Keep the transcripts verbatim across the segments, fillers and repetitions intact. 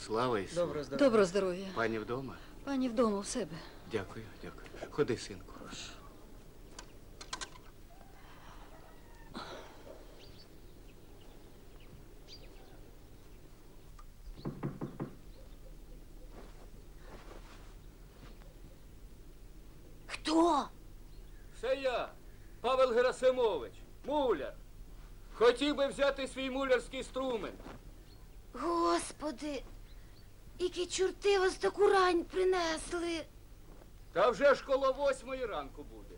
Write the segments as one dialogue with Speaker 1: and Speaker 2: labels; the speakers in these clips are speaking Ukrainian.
Speaker 1: Слава Ісусу.
Speaker 2: Доброго здоров'я.
Speaker 3: Доброго здоров'я.
Speaker 1: Пані вдома?
Speaker 3: Пані вдома у себе.
Speaker 1: Дякую, дякую. Ходи, синку.
Speaker 3: Хто?
Speaker 4: Це я, Павел Герасимович, муляр. Хотів би взяти свій мулярський інструмент.
Speaker 5: Господи, які чорти вас таку рань принесли.
Speaker 4: Та вже ж коло восьмої ранку буде.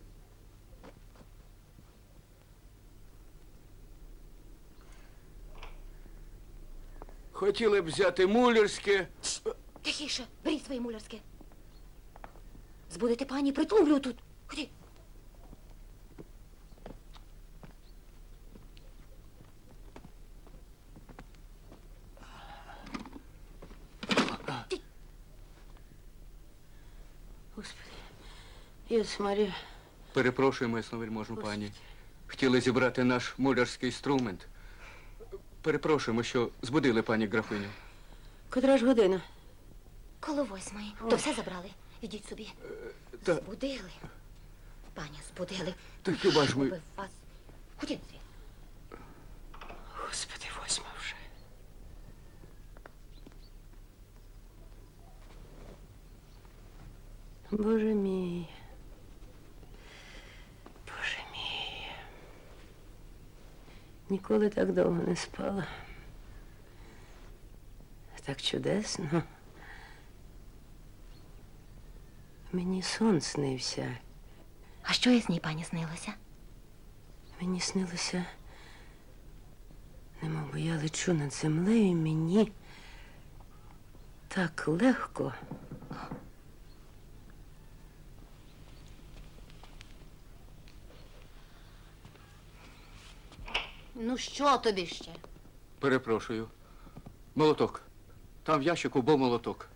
Speaker 4: Хотіли б взяти мулярське.
Speaker 5: Тихіше, беріть своє мулярське. Збудете пані, притулю тут. Ході.
Speaker 2: Господи, Єс Марія.
Speaker 1: Перепрошуємо, ясновельможну пані. Хотіли зібрати наш мулярський інструмент. Перепрошуємо, що збудили пані графиню.
Speaker 2: Котра ж година?
Speaker 5: Коло восьмої. То все забрали. Ідіть собі.
Speaker 1: Та,
Speaker 5: Збудили. Пані, збудили.
Speaker 1: та хіба ж ми...
Speaker 5: Щоби вас. Ходіть звідси.
Speaker 2: Господи, восьма вже. Боже мій. Боже мій. Ніколи так довго не спала. Так чудесно. Мені сон снився.
Speaker 5: А що із ній, пані, снилося?
Speaker 2: Мені снилося, немов би я лечу над землею, і мені так легко.
Speaker 5: Ну, що тобі ще?
Speaker 1: Перепрошую. Молоток. Там в ящику був молоток.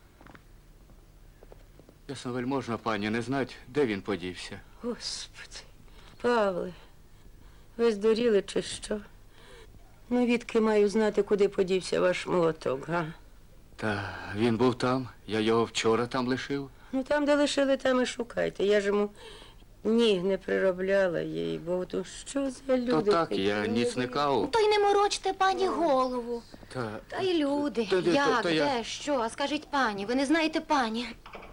Speaker 1: Ясновельможна пані, не знать, де він подівся.
Speaker 2: Господи, Павле, ви здуріли чи що? Ну, відки маю знати, куди подівся ваш молоток, га?
Speaker 1: Та він був там, я його вчора там лишив.
Speaker 2: Ну, там, де лишили, там і шукайте. Я ж йому ніг не приробляла їй, бо то що за люди?
Speaker 1: То так,
Speaker 2: такі?
Speaker 1: я ніц не кав.
Speaker 5: То й не морочте, пані, голову.
Speaker 1: Та...
Speaker 5: Та й люди.
Speaker 1: Та- та-
Speaker 5: Як,
Speaker 1: та я-
Speaker 5: де, що? А скажіть, пані, ви не знаєте пані?